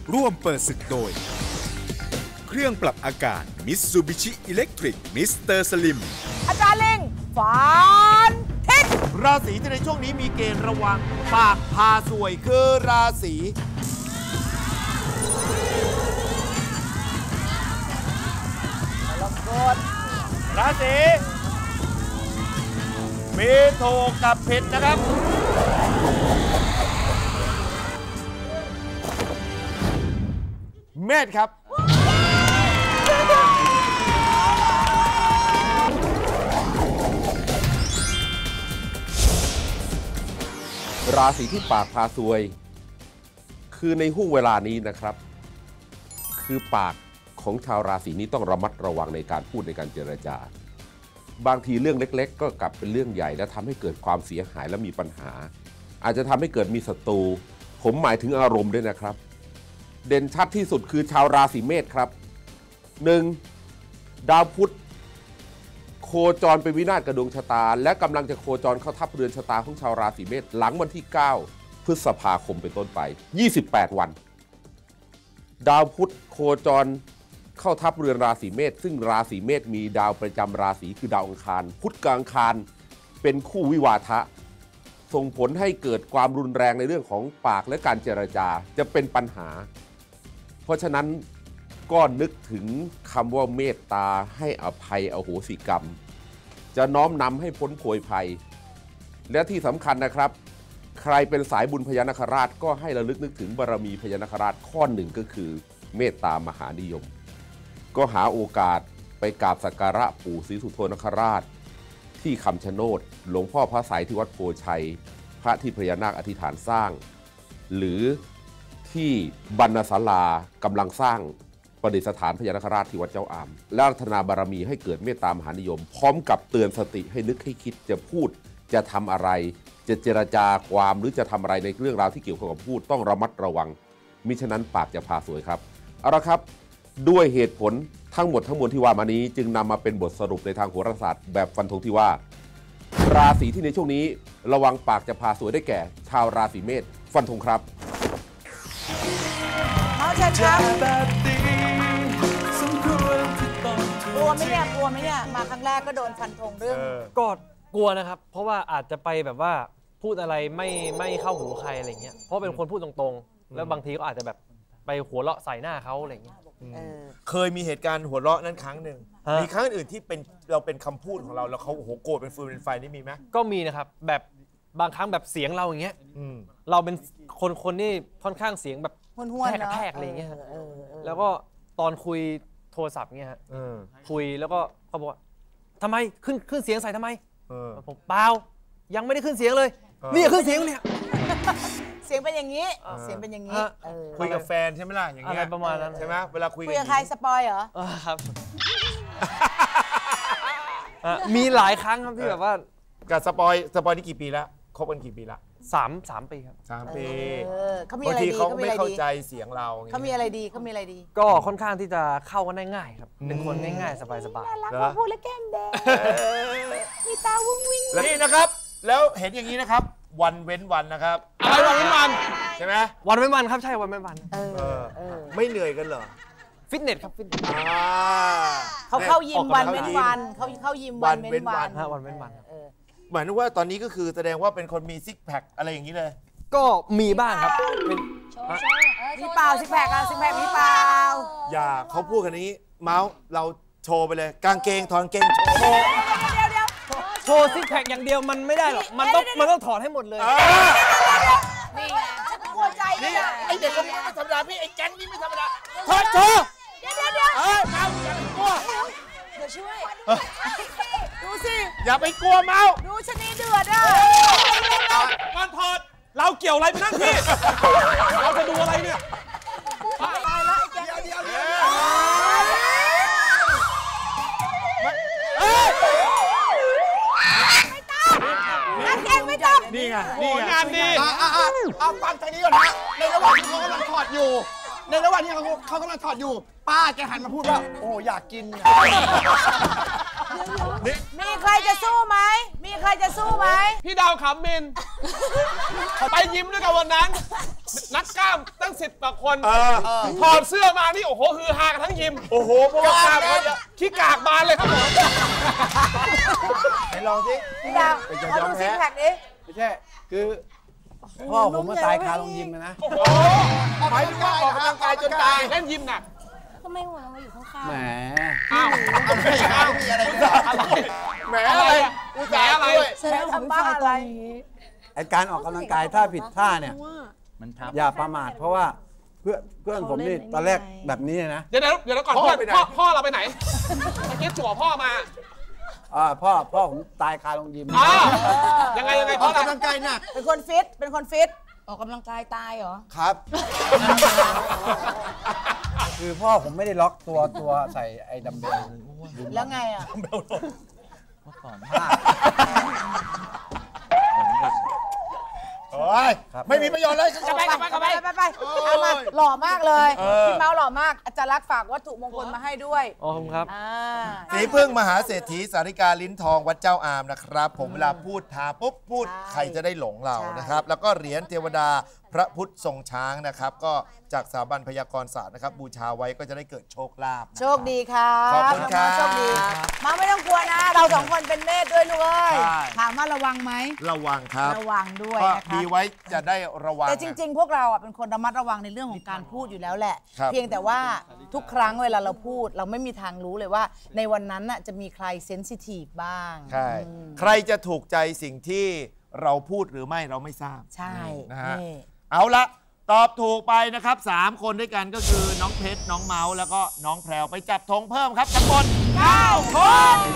ร่วมเปิดศึกโดยเครื่องปรับอากาศ Mitsubishi Electric Mr. Slim อาจารย์เล็งฝันทิศราศีที่ในช่วงนี้มีเกณฑ์ระวังปากพาสวยคือราศีราศีเมโทกับเพชรนะครับเมษครับราศีที่ปากพาซวยคือในห่วงเวลานี้นะครับคือปากของชาวราศีนี้ต้องระมัดระวังในการพูดในการเจรจาบางทีเรื่องเล็กๆก็กลับเป็นเรื่องใหญ่และทำให้เกิดความเสียหายและมีปัญหาอาจจะทำให้เกิดมีศัตรูผมหมายถึงอารมณ์ด้วยนะครับเด่นชัดที่สุดคือชาวราศีเมษครับ 1. ดาวพุธโคจรเป็นวินาศกับดวงชะตาและกำลังจะโคจรเข้าทับเรือนชะตาของชาวราศีเมษหลังวันที่9พฤษภาคมเป็นต้นไป28วันดาวพุธโคจรเข้าทับเรือนราศีเมษซึ่งราศีเมษมีดาวประจำราศีคือดาวอังคารพุธกับอังคารเป็นคู่วิวาทะส่งผลให้เกิดความรุนแรงในเรื่องของปากและการเจรจาจะเป็นปัญหาเพราะฉะนั้นก็นึกถึงคำว่าเมตตาให้อภัยอโหสิกรรมจะน้อมนำให้พ้นโผยภัยและที่สำคัญนะครับใครเป็นสายบุญพญานาคราชก็ให้ระลึกนึกถึงบารมีพญานาคราชข้อหนึ่งก็คือเมตตามหานิยมก็หาโอกาสไปกราบสักการะปู่ศรีสุโธนคราชที่คำชะโนดหลวงพ่อพระไสยที่วัดโพชัยพระที่พญานาคอธิษฐานสร้างหรือที่บรรณศาลากำลังสร้างประดิษฐานพญานาคราชที่วัดเจ้าอามและรัตนาบารมีให้เกิดเมตตามหานิยมพร้อมกับเตือนสติให้นึกให้คิดจะพูดจะทำอะไรจะเจรจาความหรือจะทำอะไรในเรื่องราวที่เกี่ยวข้องกับพูดต้องระมัดระวังมิฉะนั้นปากจะพาสวยครับเอาละครับด้วยเหตุผลทั้งหมดทั้งมวลที่ว่ามานี้จึงนำมาเป็นบทสรุปในทางโหราศาสตร์แบบฟันธงที่ว่าราศีที่ในช่วงนี้ระวังปากจะพาสวยได้แก่ชาวราศีเมษฟันธงครับเขาเชิญครับกลัวไหมเนี่ยมาครั้งแรกก็โดนฟันธงเรื่องก็กลัวนะครับเพราะว่าอาจจะไปแบบว่าพูดอะไรไม่เข้าหูใครอะไรเงี้ยเพราะเป็นคนพูดตรงๆแล้วบางทีก็อาจจะแบบไปหัวเราะใส่หน้าเขาอะไรเงี้ยเคยมีเหตุการณ์หัวเราะนั้นครั้งหนึ่งมีครั้งอื่นที่เป็นเราเป็นคำพูดของเราแล้วเขาโอ้โหโกรธเป็นฟืนเป็นไฟนี่มีไหมก็มีนะครับแบบบางครั้งแบบเสียงเราอย่างเงี้ยเราเป็นคนที่ค่อนข้างเสียงแบบแทกอะไรเงี้ยแล้วก็ตอนคุยโทรศัพท์เงี้ยฮะคุยแล้วก็เขาบอกว่าทำไมขึ้นเสียงใส่ทำไมผมเปล่ายังไม่ได้ขึ้นเสียงเลยนี่ขึ้นเสียงเนี่ยเสียงเป็นอย่างนี้คุยกับแฟนใช่ไหมล่ะอย่างเงี้ยประมาณนั้นใช่ไหมเวลาคุยกับใครสปอยเหรอครับมีหลายครั้งครับที่แบบว่ากับสปอยนี่กี่ปีแล้วคบกันกี่ปีละ 3 ปีครับ 3 ปีเขามีอะไรดีเขาไม่เข้าใจเสียงเราเขามีอะไรดีก็ค่อนข้างที่จะเข้ากันได้ง่ายครับเป็นคนง่ายๆสบายน่ารักพอพูดแล้วแก้มแดงมีตาวุ้งวิ้งนี่นะครับแล้วเห็นอย่างนี้นะครับวันเว้นวันนะครับอะไรวันเว้นวันใช่ไหมวันเว้นวันครับใช่วันเว้นวันไม่เหนื่อยกันเหรอฟิตเนสครับฟิตเนสเขาเข้ายิมวันเว้นวันเขาเข้ายิมวันเว้นวันวันเว้นวันหมายถึงว่าตอนนี้ก็คือแสดงว่าเป็นคนมีซิกแพคอะไรอย่างนี้เลยก็มีบ้างครับเป็นมีเปล่าซิกแพคมีเปล่าอย่าเขาพูดกันนี้เมาส์เราโชว์ไปเลยกางเกงถอนเกงโชว์ซิกแพคอย่างเดียวมันไม่ได้หรอกมันต้องถอดให้หมดเลยนี่ไงฉันกลัวใจนี่ไอเด็กคนนี้ไม่ธรรมดาพี่ไอแก๊งนี้ไม่ธรรมดาถอดโชว์เดี๋ยวเมาอย่าไปกลัวเดี๋ยวช่วยดูสิอย่าไปกลัวเมาดูชนีเดือดอ่ะมันถอดเราเกี่ยวอะไรไปนั่งพี่เราจะดูอะไรเนี่ยตายแล้วไอ้แก๊งเดียวนี่ไงงานดีเอาฟังทางนี้ก่อนนะในระหว่างที่เขากำลังถอดอยู่ป้าแกหันมาพูดว่าโอ้อยากกินมีใครจะสู้ไหมพี่ดาวขำมินไปยิ้มด้วยกันวันนั้นนักกล้ามตั้ง10 กว่าคนถอดเสื้อมานี่โอ้โหฮือฮากันทั้งยิมโอ้โหเพราะว่ากล้ามเขาเยอะขี้กากบานเลยครับผมไหนลองสิพี่ดาวขอดูซิกแพคดิไม่ใช่ คือพ่อผมมาตายคาโรงยิมเลยนะโอ้โหหมายถึงว่าออกกำลังกายจนตายเล่นยิมหนักทำไมหัวเราอยู่ข้างแหมอ้าวมีอะไรแหมอะไรอุตส่าห์อะไรๆแสดงว่าพี่ฟายตอนนี้ไอการออกกำลังกายถ้าผิดท่าเนี่ยอย่าประมาทเพราะว่าเพื่อนผมนี่ตอนแรกแบบนี้นะเดี๋ยวก่อนพ่อเราไปไหนเมื่อกี้จั่วพ่อมาพ่อผมตายคาโรงยิมยังไงพ่อออกกำลังกายหนักเป็นคนฟิตออกกำลังกายตายเหรอครับ คือพ่อผมไม่ได้ล็อกตัวใส่ไอ้ดัมเบลแล้วไงอ่ะโอ้ยไม่มีประโยชน์เลยไปเอามาหล่อมากเลยพี่เมาส์หล่อมากอาจารย์รักษณ์ฝากวัตถุมงคลมาให้ด้วยอ๋อครับสีพึ่งมหาเศรษฐีสาริกาลิ้นทองวัดเจ้าอามนะครับ ผมเวลาพูดทาปุ๊บพูดใครจะได้หลงเรานะครับ แล้วก็เหรียญเทวดาพระพุทธทรงช้างนะครับ ก็จากสถาบันพยากรศาสตร์นะครับ บูชาไว้ก็จะได้เกิดโชคลาภนะครับโชคดีครับขอบคุณครับโชคดีมาไม่ต้องกลัวนะ เรา2 คนเป็นเมธด้วยลูกเอ้ยใช่ถามว่าระวังไหมระวังครับระวังด้วยก็นะคะดีไว้จะได้ระวังแต่จริง ๆ พวกเราอ่ะเป็นคนระมัดระวังในเรื่องของการพูดอยู่แล้วแหละครับเพียงแต่ว่าทุกครั้งเวลาเราพูดเราไม่มีทางรู้เลยว่า ในวันนั้นน่ะจะมีใครเซนซิทีฟบ้างใช่ใครจะถูกใจสิ่งที่เราพูดหรือไม่เราไม่ทราบใช่นะฮะนี่เอาละตอบถูกไปนะครับ 3 คนด้วยกันก็คือน้องเพชรน้องเมาส์แล้วก็น้องแพรวไปจับธงเพิ่มครับจำนวน9 คน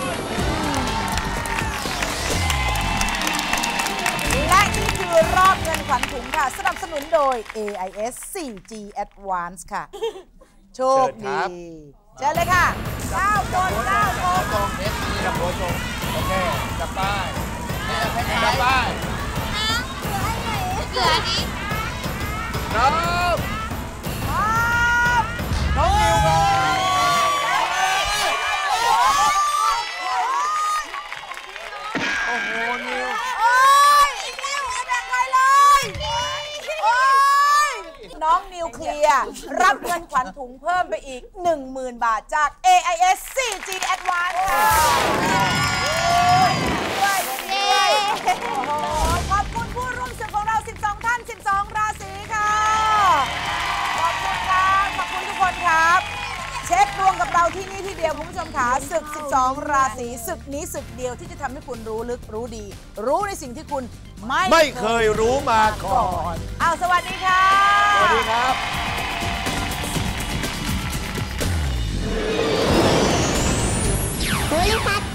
และนี่คือรอบเงินขวัญถุงค่ะ สนับสนุนโดย AIS 4G Advance ค่ะ โชคดีเชิญเลยค่ะ 9 คน 9 คนตรงเพชรนี่กับโบทรงโอเคจับป้ายจับป้ายเหลือนี้น้องน้องนิวครับโอ้โหนิวโอ้ยอีกนิวไม่แบ่งใครเลย โอ้ยน้องนิวเคลียร์รับเงินขวัญถุงเพิ่มไปอีก 10,000 บาทจาก AIS 4G Advance ค่ะด้วยโอ้โหขอบคุณผู้ร่วมศึกของเรา 12 ท่าน 12 ราศีค่ะ ขอบคุณครับขอบคุณทุกคนครับ เช็คดวงกับเราที่นี่ที่เดียวคุณผู้ชมขาศึก 12 ราศีศึกนี้ศึกเดียวที่จะทำให้คุณรู้ลึกรู้ดี รู้ในสิ่งที่คุณไม่เคยรู้มาก่อนอ้าวสวัสดีค่ะสวัสดีครับบริษัท